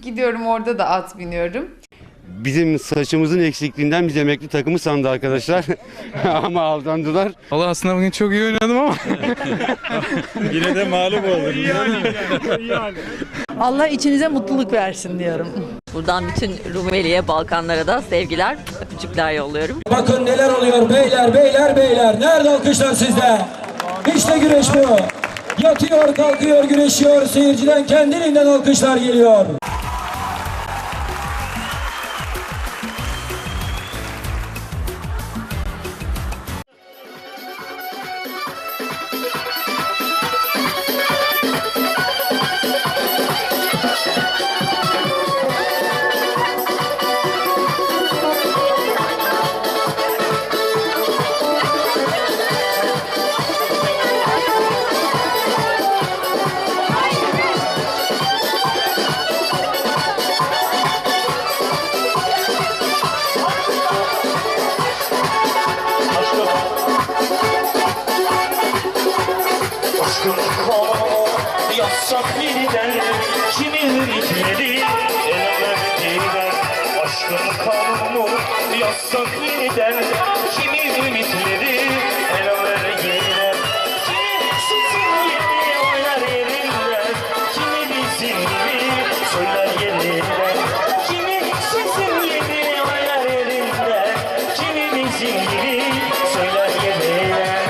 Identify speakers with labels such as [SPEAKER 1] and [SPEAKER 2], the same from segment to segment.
[SPEAKER 1] gidiyorum, orada da at biniyorum.
[SPEAKER 2] Bizim saçımızın eksikliğinden biz emekli takımı sandı arkadaşlar. Ama aldandılar.
[SPEAKER 3] Allah aslında bugün çok iyi oynadım ama.
[SPEAKER 4] Yine de mağlup olduk.
[SPEAKER 5] Allah içinize mutluluk versin diyorum.
[SPEAKER 6] Buradan bütün Rumeli'ye, Balkanlara da sevgiler, öpücükler yolluyorum.
[SPEAKER 7] Bakın neler oluyor beyler, beyler, beyler. Nerede alkışlar sizde? İşte güreş bu. Yatıyor, kalkıyor, güreşiyor. Seyirciden kendiliğinden alkışlar geliyor.
[SPEAKER 8] Yazsak yeniden kimin ritmeli elemediler. Aşkın kanunu yazsak yeniden kimin ritmeli elemediler. Kimi sizin yeni oynar yerinden, kimi bizim gibi söyler yerinden. Kimi sizin yeni oynar yerinden, kimi bizim gibi söyler yerinden.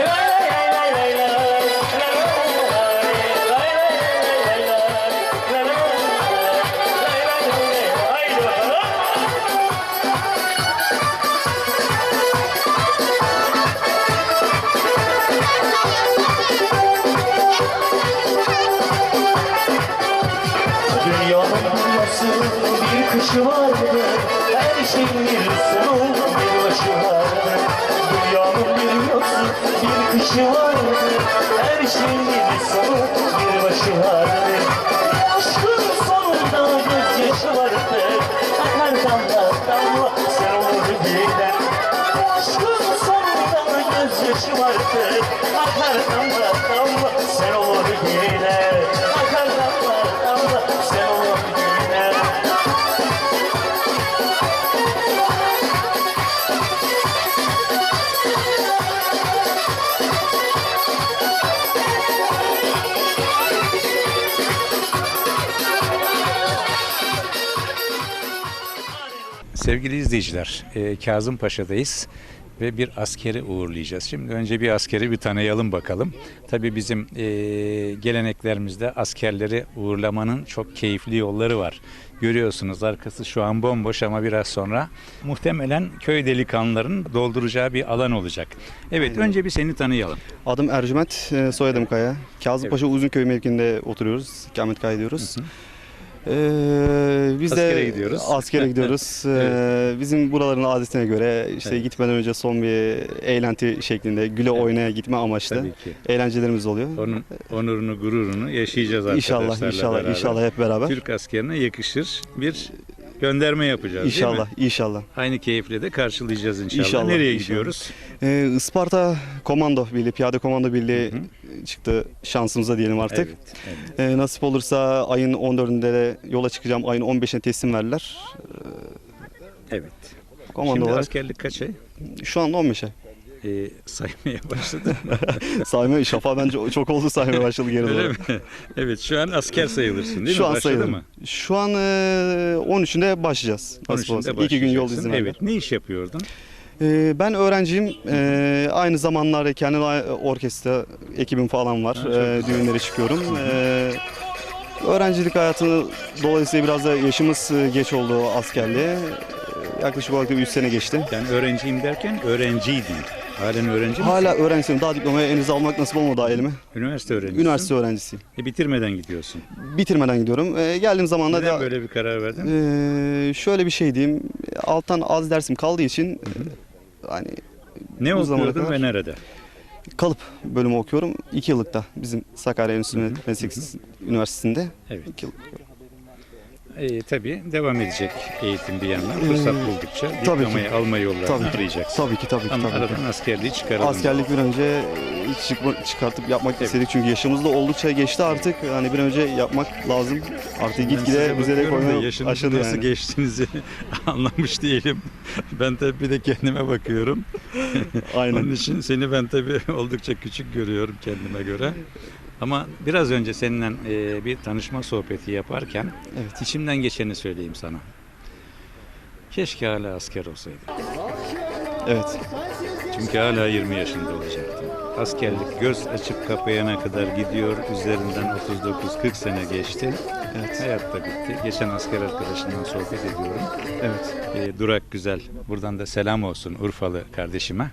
[SPEAKER 8] Dünyanın nasıl bir kışı vardı, her şeyin bir sonu bir başı vardı. Dünyanın bir nasıl bir kışı vardı, her şeyin bir sonu bir başı vardı. Aşkın sonunda gözyaşı vardı, akar damla damla sen olur gider. Aşkın sonunda gözyaşı vardı, akar damla damla sen olur gider. Akar damla damla sen olur gider.
[SPEAKER 4] Sevgili izleyiciler, Kazımpaşa'dayız ve bir askeri uğurlayacağız. Şimdi önce bir askeri bir tanıyalım bakalım. Tabii bizim geleneklerimizde askerleri uğurlamanın çok keyifli yolları var. Görüyorsunuz arkası şu an bomboş ama biraz sonra muhtemelen köy delikanlılarının dolduracağı bir alan olacak. Evet,
[SPEAKER 2] Aynen.
[SPEAKER 4] önce bir seni tanıyalım.
[SPEAKER 2] Adım Ercüment, soyadım Kaya. Kazımpaşa Uzunköy mevkiinde oturuyoruz. İkamet kaydediyoruz. Biz
[SPEAKER 4] Askere
[SPEAKER 2] de
[SPEAKER 4] gidiyoruz.
[SPEAKER 2] askere gidiyoruz. Bizim buraların adetine göre işte gitmeden önce son bir eğlenti şeklinde güle oynaya gitme amaçlı
[SPEAKER 4] Tabii ki.
[SPEAKER 2] eğlencelerimiz oluyor.
[SPEAKER 4] Onun onurunu, gururunu yaşayacağız arkadaşlarla
[SPEAKER 2] İnşallah,
[SPEAKER 4] beraber.
[SPEAKER 2] inşallah hep beraber.
[SPEAKER 4] Türk askerine yakışır bir gönderme yapacağız, değil mi?
[SPEAKER 2] İnşallah, inşallah.
[SPEAKER 4] Aynı keyifle de karşılayacağız inşallah.
[SPEAKER 2] İnşallah,
[SPEAKER 4] Nereye
[SPEAKER 2] inşallah.
[SPEAKER 4] gidiyoruz?
[SPEAKER 2] Isparta Komando Birliği, Piyade Komando Birliği çıktı şansımıza diyelim artık.
[SPEAKER 4] Evet.
[SPEAKER 2] Nasip olursa ayın 14'ünde de yola çıkacağım. Ayın 15'ine teslim verdiler.
[SPEAKER 4] Evet.
[SPEAKER 2] Komando
[SPEAKER 4] Şimdi
[SPEAKER 2] olarak
[SPEAKER 4] askerlik kaç ay?
[SPEAKER 2] şu anda 15'e.
[SPEAKER 4] Saymaya başladı.
[SPEAKER 2] Sayma şafa bence çok oldu saymaya başladı geri
[SPEAKER 4] Öyle
[SPEAKER 2] doğru.
[SPEAKER 4] mi? Evet, şu an asker sayılırsın değil
[SPEAKER 2] Şu
[SPEAKER 4] mi?
[SPEAKER 2] an
[SPEAKER 4] Başladı
[SPEAKER 2] sayılırım.
[SPEAKER 4] mı?
[SPEAKER 2] Şu an 13'ünde başlayacağız. Nasip
[SPEAKER 4] 13'ünde
[SPEAKER 2] olursa. 2 gün yol
[SPEAKER 4] başlayacaksın.
[SPEAKER 2] izni verdiler.
[SPEAKER 4] Evet. Ne iş yapıyordun?
[SPEAKER 2] Ben öğrenciyim. Aynı zamanlarda kendi orkestra ekibim falan var. Düğünlere çıkıyorum. Öğrencilik hayatı dolayısıyla biraz da yaşımız geç oldu askerliğe. Yaklaşık olarak da 3 sene geçti.
[SPEAKER 4] Yani öğrenciyim derken öğrenciydin. Halen öğrenci misin?
[SPEAKER 2] Hala öğrencisiyim. Daha diplomayı henüz almak nasip olmadı daha elime.
[SPEAKER 4] Üniversite öğrencisi.
[SPEAKER 2] Üniversite öğrencisiyim.
[SPEAKER 4] Bitirmeden gidiyorsun.
[SPEAKER 2] Bitirmeden gidiyorum. Geldiğim zaman da
[SPEAKER 4] Neden böyle bir karar verdin?
[SPEAKER 2] şöyle bir şey diyeyim. Alttan az dersim kaldığı için hani
[SPEAKER 4] Ne
[SPEAKER 2] bu zamana
[SPEAKER 4] okuyordun
[SPEAKER 2] kadar-
[SPEAKER 4] ve nerede?
[SPEAKER 2] kalıp bölümü okuyorum. 2 yıllıkta bizim Sakarya Enstitü Meslek Üniversitesi'nde.
[SPEAKER 4] Evet.
[SPEAKER 2] 2 yıllık.
[SPEAKER 4] tabii devam edecek eğitim bir yandan. Fırsat buldukça
[SPEAKER 2] tabii ki.
[SPEAKER 4] diplomayı alma yollarını
[SPEAKER 2] Tabii ki.
[SPEAKER 4] arayacaksın.
[SPEAKER 2] Tabii ki.
[SPEAKER 4] Ama
[SPEAKER 2] Tabii ki.
[SPEAKER 4] aradan askerliği çıkaralım.
[SPEAKER 2] Askerlik bir önce çıkartıp yapmak istedik çünkü yaşımız da oldukça geçti artık. Hani bir an önce yapmak lazım. Artık
[SPEAKER 4] Ben
[SPEAKER 2] gitgide
[SPEAKER 4] size
[SPEAKER 2] bize de
[SPEAKER 4] bakıyorum da
[SPEAKER 2] koymaya
[SPEAKER 4] yaşınızı
[SPEAKER 2] başladı
[SPEAKER 4] nasıl
[SPEAKER 2] yani.
[SPEAKER 4] geçtiğinizi anlamış değilim. Ben tabii bir de kendime bakıyorum. Onun
[SPEAKER 2] Aynen.
[SPEAKER 4] için seni ben tabii oldukça küçük görüyorum kendime göre. Ama biraz önce seninle bir tanışma sohbeti yaparken
[SPEAKER 2] Evet.
[SPEAKER 4] içimden geçeni söyleyeyim sana. Keşke hala asker olsaydım.
[SPEAKER 2] Evet.
[SPEAKER 4] Çünkü hala 20 yaşında olacaktım. Askerlik göz açıp kapayana kadar gidiyor. Üzerinden 39-40 sene geçti.
[SPEAKER 2] Evet.
[SPEAKER 4] Hayat da bitti. Geçen asker arkadaşımla sohbet ediyorum.
[SPEAKER 2] Evet.
[SPEAKER 4] Durak Güzel. Buradan da selam olsun Urfalı kardeşime.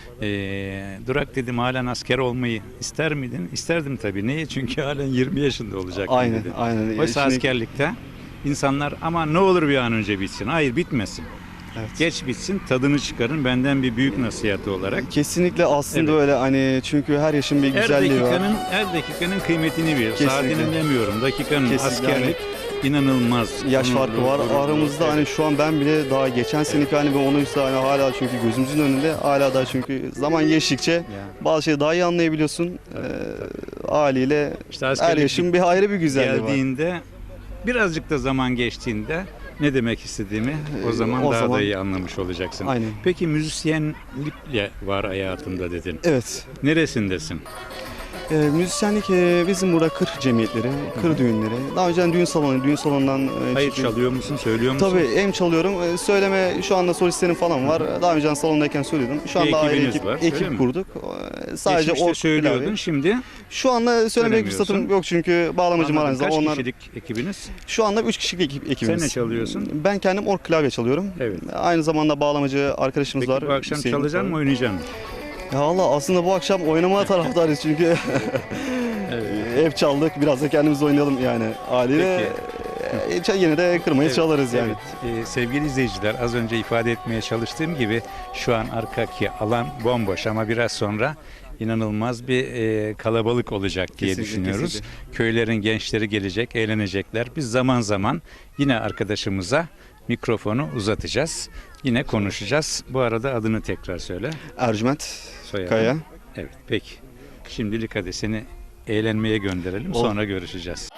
[SPEAKER 4] Durak dedim, halen asker olmayı ister miydin? İsterdim tabii. Niye? Çünkü halen 20 yaşında olacaktım
[SPEAKER 2] Aynen.
[SPEAKER 4] dedi.
[SPEAKER 2] Aynen.
[SPEAKER 4] Oysa
[SPEAKER 2] Şimdi-
[SPEAKER 4] askerlikte insanlar ama ne olur bir an önce bitsin. Hayır, bitmesin.
[SPEAKER 2] Evet.
[SPEAKER 4] Geç bitsin, tadını çıkarın, benden bir büyük nasihatı olarak.
[SPEAKER 2] Kesinlikle aslında
[SPEAKER 4] Evet.
[SPEAKER 2] öyle hani çünkü her yaşın bir güzelliği var.
[SPEAKER 4] Her dakikanın kıymetini bil.
[SPEAKER 2] Kesinlikle.
[SPEAKER 4] Saatinin demiyorum. Dakikanın,
[SPEAKER 2] Kesinlikle.
[SPEAKER 4] askerlik inanılmaz.
[SPEAKER 2] Yaş
[SPEAKER 4] Onur,
[SPEAKER 2] farkı var.
[SPEAKER 4] gurur, gurur.
[SPEAKER 2] Aramızda hani şu an ben bile daha geçen seneki hani ben onuysa hani hala çünkü gözümüzün önünde hala daha çünkü zaman geçtikçe
[SPEAKER 4] Ya.
[SPEAKER 2] bazı şeyleri daha iyi anlayabiliyorsun. Haliyle
[SPEAKER 4] İşte
[SPEAKER 2] her
[SPEAKER 4] askerlik
[SPEAKER 2] yaşın bir ayrı bir güzelliği var.
[SPEAKER 4] geldiğinde, birazcık da zaman geçtiğinde ne demek istediğimi o zaman
[SPEAKER 2] o
[SPEAKER 4] daha
[SPEAKER 2] zaman-
[SPEAKER 4] da iyi anlamış olacaksın.
[SPEAKER 2] Aynen.
[SPEAKER 4] Peki müzisyenlikle var hayatımda dedin.
[SPEAKER 2] Evet.
[SPEAKER 4] Neresindesin?
[SPEAKER 2] Müzisyenlik bizim burada kır cemiyetleri, kır düğünleri. Daha önceden düğün salonundan
[SPEAKER 4] Hayır,
[SPEAKER 2] çıktım.
[SPEAKER 4] çalıyor musun, söylüyor musun?
[SPEAKER 2] Tabii hem çalıyorum. Söyleme şu anda solistlerim falan var. Daha önceden salondayken söylüyordum. Şu
[SPEAKER 4] Bir
[SPEAKER 2] anda ayrı
[SPEAKER 4] ekibiniz var, öyle mi?
[SPEAKER 2] ekip kurduk. Sadece
[SPEAKER 4] Geçmişte
[SPEAKER 2] o
[SPEAKER 4] söylüyordun,
[SPEAKER 2] klavye.
[SPEAKER 4] şimdi
[SPEAKER 2] Şu anda söylemek
[SPEAKER 4] Söylemiyorsun.
[SPEAKER 2] fırsatım yok çünkü bağlamacım
[SPEAKER 4] anladım.
[SPEAKER 2] aranızda.
[SPEAKER 4] Kaç
[SPEAKER 2] Onlar
[SPEAKER 4] kişilik ekibiniz?
[SPEAKER 2] şu anda 3 kişilik ekibimiz.
[SPEAKER 4] Sen ne çalıyorsun?
[SPEAKER 2] Ben kendim org klavye çalıyorum.
[SPEAKER 4] Evet.
[SPEAKER 2] Aynı zamanda bağlamacı arkadaşımız
[SPEAKER 4] Peki
[SPEAKER 2] var.
[SPEAKER 4] bu akşam
[SPEAKER 2] Hüseyin
[SPEAKER 4] çalacaksın mı,
[SPEAKER 2] var.
[SPEAKER 4] oynayacaksın mı?
[SPEAKER 2] Ya Allah aslında bu akşam oynamaya taraftarız çünkü hep çaldık. Biraz da kendimiz oynayalım yani. Haliyle yine de kırmayı çalarız yani.
[SPEAKER 4] Evet. Sevgili izleyiciler, az önce ifade etmeye çalıştığım gibi şu an arkadaki alan bomboş ama biraz sonra inanılmaz bir kalabalık olacak diye
[SPEAKER 2] Kesinlikle,
[SPEAKER 4] düşünüyoruz.
[SPEAKER 2] kesinlikle.
[SPEAKER 4] Köylerin gençleri gelecek, eğlenecekler. Biz zaman zaman yine arkadaşımıza mikrofonu uzatacağız. Yine konuşacağız. Bu arada adını tekrar söyle.
[SPEAKER 2] Ercüment
[SPEAKER 4] Soyadın.
[SPEAKER 2] Kaya.
[SPEAKER 4] Evet, peki. Şimdilik hadi seni eğlenmeye gönderelim.
[SPEAKER 2] Olur.
[SPEAKER 4] Sonra görüşeceğiz.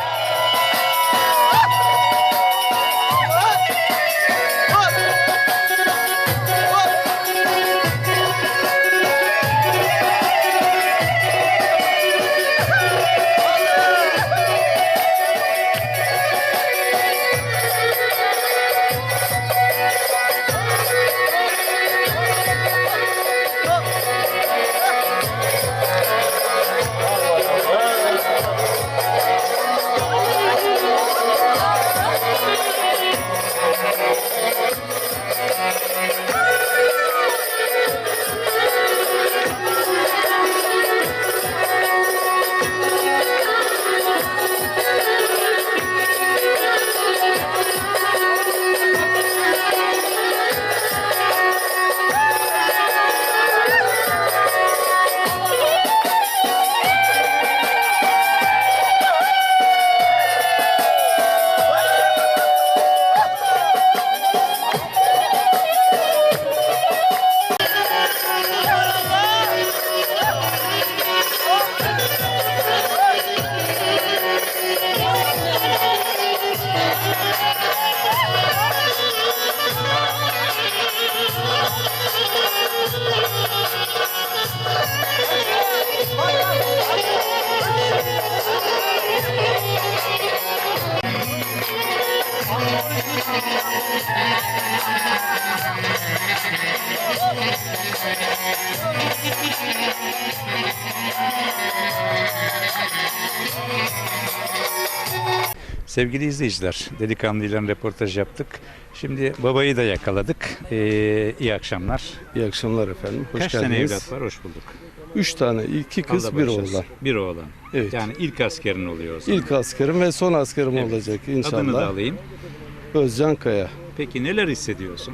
[SPEAKER 4] Sevgili izleyiciler, delikanlıyla röportaj yaptık. Şimdi babayı da yakaladık. İyi akşamlar.
[SPEAKER 9] İyi akşamlar efendim. Hoş
[SPEAKER 4] Kaç
[SPEAKER 9] geldiniz.
[SPEAKER 4] tane evlat var? Hoş bulduk.
[SPEAKER 9] 3 tane. 2 kız,
[SPEAKER 4] Allah
[SPEAKER 9] bir
[SPEAKER 4] bağışlasın.
[SPEAKER 9] oğlan.
[SPEAKER 4] Bir oğlan.
[SPEAKER 9] Evet.
[SPEAKER 4] Yani ilk askerin oluyor o zaman.
[SPEAKER 9] İlk askerim ve son askerim
[SPEAKER 4] Evet.
[SPEAKER 9] olacak
[SPEAKER 4] Adını da
[SPEAKER 9] inşallah.
[SPEAKER 4] alayım.
[SPEAKER 9] Özcan Kaya.
[SPEAKER 4] Peki neler hissediyorsun?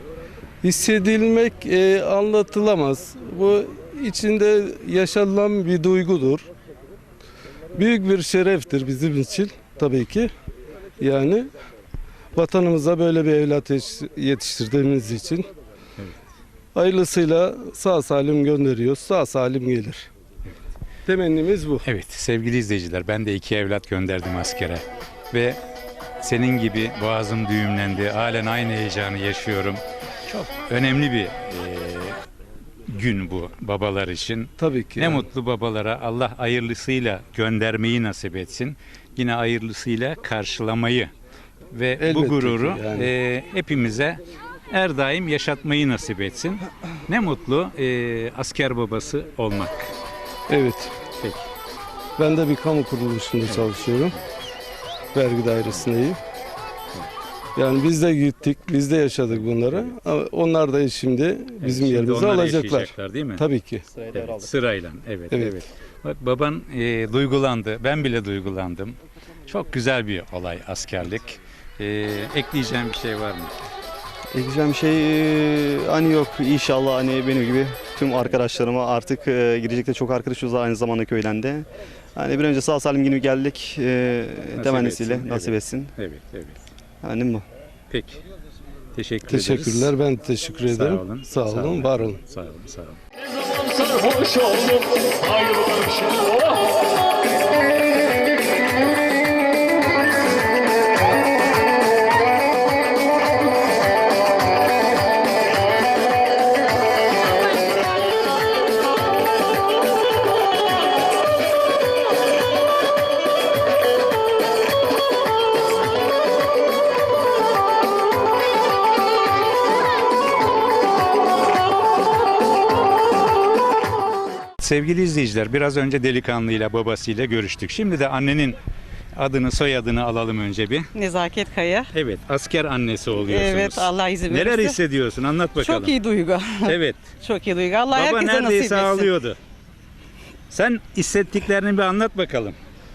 [SPEAKER 9] Hissedilmek anlatılamaz. Bu içinde yaşanılan bir duygudur. Büyük bir şereftir bizim için tabii ki. Yani vatanımıza böyle bir evlat yetiştirdiğimiz için hayırlısıyla sağ salim gönderiyoruz. Sağ salim gelir. Temennimiz bu.
[SPEAKER 4] Evet sevgili izleyiciler, ben de 2 evlat gönderdim askere ve senin gibi boğazım düğümlendi. Halen aynı heyecanı yaşıyorum. Çok önemli bir gün bu babalar için.
[SPEAKER 9] Tabii ki.
[SPEAKER 4] Ne
[SPEAKER 9] yani.
[SPEAKER 4] mutlu babalara, Allah hayırlısıyla göndermeyi nasip etsin. Yine hayırlısıyla karşılamayı ve
[SPEAKER 9] Elbette
[SPEAKER 4] bu
[SPEAKER 9] ki
[SPEAKER 4] gururu
[SPEAKER 9] yani.
[SPEAKER 4] hepimize her daim yaşatmayı nasip etsin. Ne mutlu asker babası olmak.
[SPEAKER 9] Evet.
[SPEAKER 4] Peki.
[SPEAKER 9] Ben de bir kamu kuruluşunda çalışıyorum. Vergi dairesindeyim. Yani biz de gittik, biz de yaşadık bunları. Ama onlar da şimdi bizim
[SPEAKER 4] Şimdi
[SPEAKER 9] yerimizi
[SPEAKER 4] onlar
[SPEAKER 9] alacaklar.
[SPEAKER 4] yaşayacaklar, değil mi?
[SPEAKER 9] Tabii ki.
[SPEAKER 4] Evet, sırayla. Evet,
[SPEAKER 9] Evet.
[SPEAKER 4] evet. Bak baban duygulandı. Ben bile duygulandım. Çok güzel bir olay askerlik. Ekleyeceğim bir şey var mı?
[SPEAKER 2] Ekleyeceğim şey hani yok, inşallah hani benim gibi tüm arkadaşlarıma artık girecek de çok arkadaşımız var aynı zamanda köyden de. Hani bir önce sağ salim gibi geldik, temennisiyle
[SPEAKER 4] etsin,
[SPEAKER 2] nasip
[SPEAKER 4] evet.
[SPEAKER 2] etsin.
[SPEAKER 4] Evet, evet.
[SPEAKER 2] Hani bu.
[SPEAKER 4] Peki. Teşekkür ederiz.
[SPEAKER 9] Teşekkürler. Ben teşekkür ederim.
[SPEAKER 4] olun.
[SPEAKER 9] Sağ olun, var olun.
[SPEAKER 4] Sağ olun, sağ olun.
[SPEAKER 8] Sarhoş oldum ayrılık için.
[SPEAKER 4] Sevgili izleyiciler, biraz önce delikanlıyla babasıyla görüştük. Şimdi de annenin adını, soyadını alalım önce bir.
[SPEAKER 5] Nezaket Kaya.
[SPEAKER 4] Evet, asker annesi oluyorsunuz.
[SPEAKER 5] Evet, Allah izin verirse.
[SPEAKER 4] Neler hissediyorsun? Anlat bakalım.
[SPEAKER 5] Çok iyi duygu.
[SPEAKER 4] Evet.
[SPEAKER 5] Çok iyi duygu. Allah
[SPEAKER 4] Baba
[SPEAKER 5] herkese nasip
[SPEAKER 4] neredeyse
[SPEAKER 5] etsin.
[SPEAKER 4] ağlıyordu. Sen hissettiklerini bir anlat bakalım.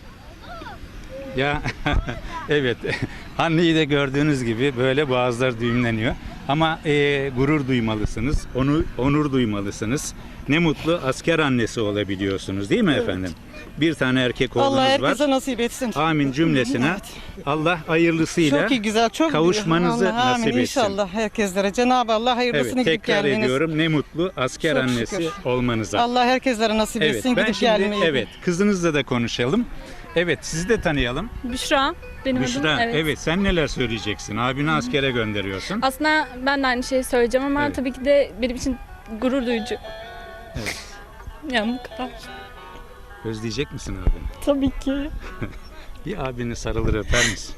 [SPEAKER 4] Ya evet, anneyi de gördüğünüz gibi böyle boğazlar düğümleniyor. Ama gurur duymalısınız, onur duymalısınız. Ne mutlu asker annesi olabiliyorsunuz, değil mi efendim? Bir tane erkek oğlunuz
[SPEAKER 5] Allah
[SPEAKER 4] var.
[SPEAKER 5] herkese nasip etsin.
[SPEAKER 4] Amin cümlesine.
[SPEAKER 5] Evet.
[SPEAKER 4] Allah hayırlısıyla
[SPEAKER 5] Çok iyi, güzel, çok
[SPEAKER 4] kavuşmanızı
[SPEAKER 5] Allah,
[SPEAKER 4] nasip
[SPEAKER 5] amin.
[SPEAKER 4] etsin.
[SPEAKER 5] İnşallah herkeslere. Cenab-ı Allah hayırlısını
[SPEAKER 4] Evet,
[SPEAKER 5] gidip
[SPEAKER 4] tekrar
[SPEAKER 5] gelmeniz.
[SPEAKER 4] ediyorum, ne mutlu asker
[SPEAKER 5] Çok
[SPEAKER 4] annesi
[SPEAKER 5] şükür.
[SPEAKER 4] olmanıza.
[SPEAKER 5] Allah herkeslere nasip
[SPEAKER 4] Evet,
[SPEAKER 5] etsin
[SPEAKER 4] ben
[SPEAKER 5] gidip
[SPEAKER 4] şimdi
[SPEAKER 5] gelmeyi.
[SPEAKER 4] kızınızla da konuşalım. Evet, sizi de tanıyalım.
[SPEAKER 10] Büşra benim
[SPEAKER 4] Büşra,
[SPEAKER 10] adım.
[SPEAKER 4] evet. Sen neler söyleyeceksin? Abini askere gönderiyorsun.
[SPEAKER 10] Aslında ben de aynı şeyi söyleyeceğim ama
[SPEAKER 4] Evet.
[SPEAKER 10] tabii ki de benim için gurur duyucu.
[SPEAKER 4] Evet.
[SPEAKER 10] Yani bu kadar.
[SPEAKER 4] Özleyecek misin abini?
[SPEAKER 10] Tabii ki.
[SPEAKER 4] Bir abini sarılır öper misin?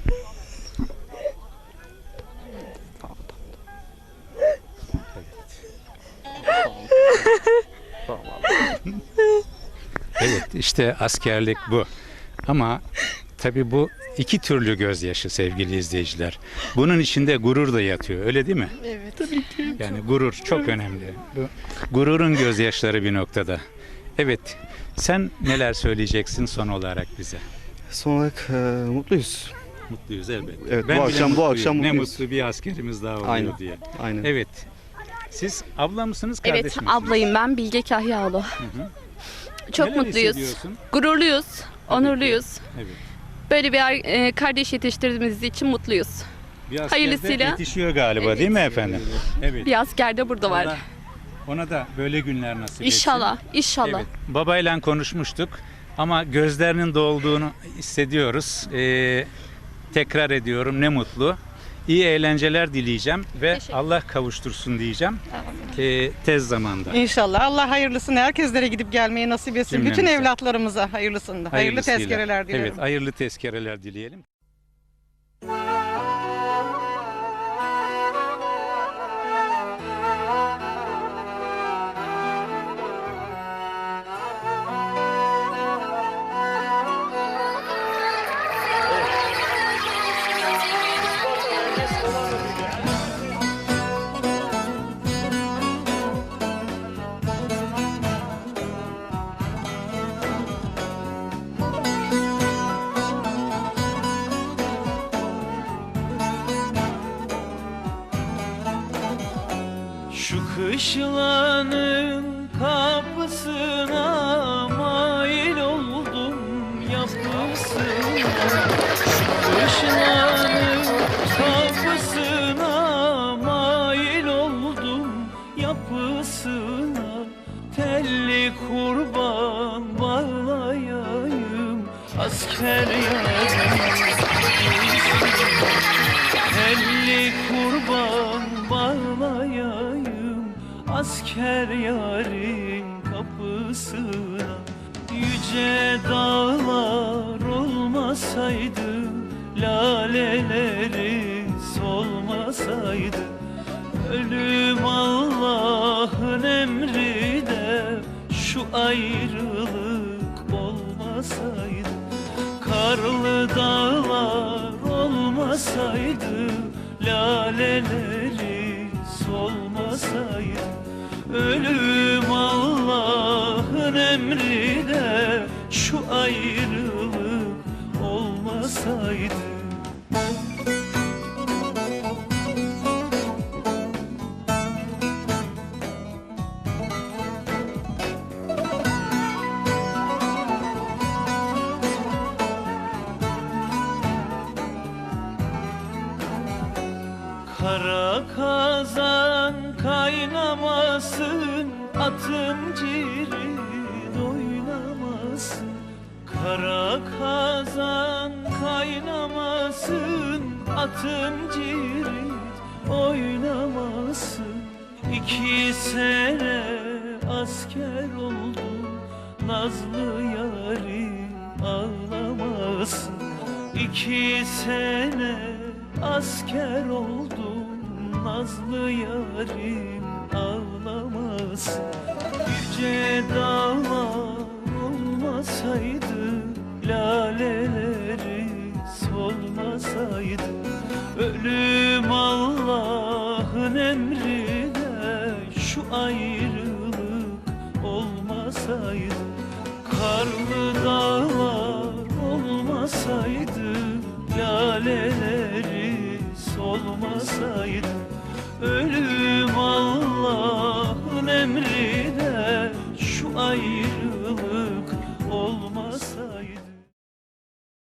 [SPEAKER 4] Evet, işte askerlik bu. Ama tabii bu iki türlü gözyaşı sevgili izleyiciler. Bunun içinde gurur da yatıyor, öyle değil mi?
[SPEAKER 10] Evet. Tabii ki.
[SPEAKER 4] Yani gurur çok önemli. Bu gururun gözyaşları bir noktada. Evet, sen neler söyleyeceksin son olarak bize?
[SPEAKER 2] Son olarak mutluyuz.
[SPEAKER 4] Mutluyuz elbette.
[SPEAKER 2] Evet,
[SPEAKER 4] Ben
[SPEAKER 2] bu
[SPEAKER 4] bile
[SPEAKER 2] akşam
[SPEAKER 4] mutluyum.
[SPEAKER 2] akşam
[SPEAKER 4] ne
[SPEAKER 2] mutluyuz.
[SPEAKER 4] mutlu bir askerimiz daha oluyor
[SPEAKER 2] Aynen.
[SPEAKER 4] diye.
[SPEAKER 2] Aynen.
[SPEAKER 4] Evet. Siz abla mısınız, kardeş
[SPEAKER 11] Evet,
[SPEAKER 4] misiniz?
[SPEAKER 11] ablayım ben Bilge Kahyaoğlu. Çok
[SPEAKER 4] Neler
[SPEAKER 11] mutluyuz,
[SPEAKER 4] hissediyorsun?
[SPEAKER 11] gururluyuz, onurluyuz.
[SPEAKER 4] Evet.
[SPEAKER 11] Böyle bir kardeş yetiştirdiğimiz için mutluyuz.
[SPEAKER 4] Bir asker de
[SPEAKER 11] Hayırlısıyla.
[SPEAKER 4] yetişiyor galiba, değil mi efendim? Evet.
[SPEAKER 11] Bir asker de burada var.
[SPEAKER 4] Allah ona da böyle günler nasip etsin.
[SPEAKER 11] İnşallah, inşallah.
[SPEAKER 4] Evet. Babayla konuşmuştuk ama gözlerinin dolduğunu hissediyoruz. Tekrar ediyorum, ne mutlu. İyi eğlenceler dileyeceğim ve Allah kavuştursun diyeceğim. Tez zamanda.
[SPEAKER 5] İnşallah. Allah hayırlısını herkeslere gidip gelmeyi nasip etsin. Bütün
[SPEAKER 4] Cümlemize.
[SPEAKER 5] evlatlarımıza hayırlısını. Hayırlı
[SPEAKER 4] Hayırlısıyla.
[SPEAKER 5] tezkereler dilerim.
[SPEAKER 4] Evet, hayırlı tezkereler dileyelim.
[SPEAKER 8] Şu kışlanın kapısına mail oldum yapısına. Şu kışlanın asker yarim. Elli kurban bağlayayım asker yarın kapısına. Yüce dağlar olmasaydı, laleleri solmasaydı, ölüm Allah'ın emri de şu ayrılık olmasaydı, karlı dağlar olmasaydı, laleleri solmasaydı, ölüm Allah'ın emri de şu ayrılık olmasaydı. Kara kazan kaynamasın, atın cirit oynamasın. Kara kazan kaynamasın, atın cirit oynamasın. 2 sene asker oldum, nazlı yarim ağlamasın. 2 sene asker oldum, nazlı yarim ağlamasın. Yüce dağlar olmasaydı, laleleri solmasaydı, ölüm Allah'ın emri de şu ayrılık olmasaydı, karlı dağlar olmasaydı, laleleri solmasaydı, ölüm Allah'ın emri de şu ayrılık olmasaydı.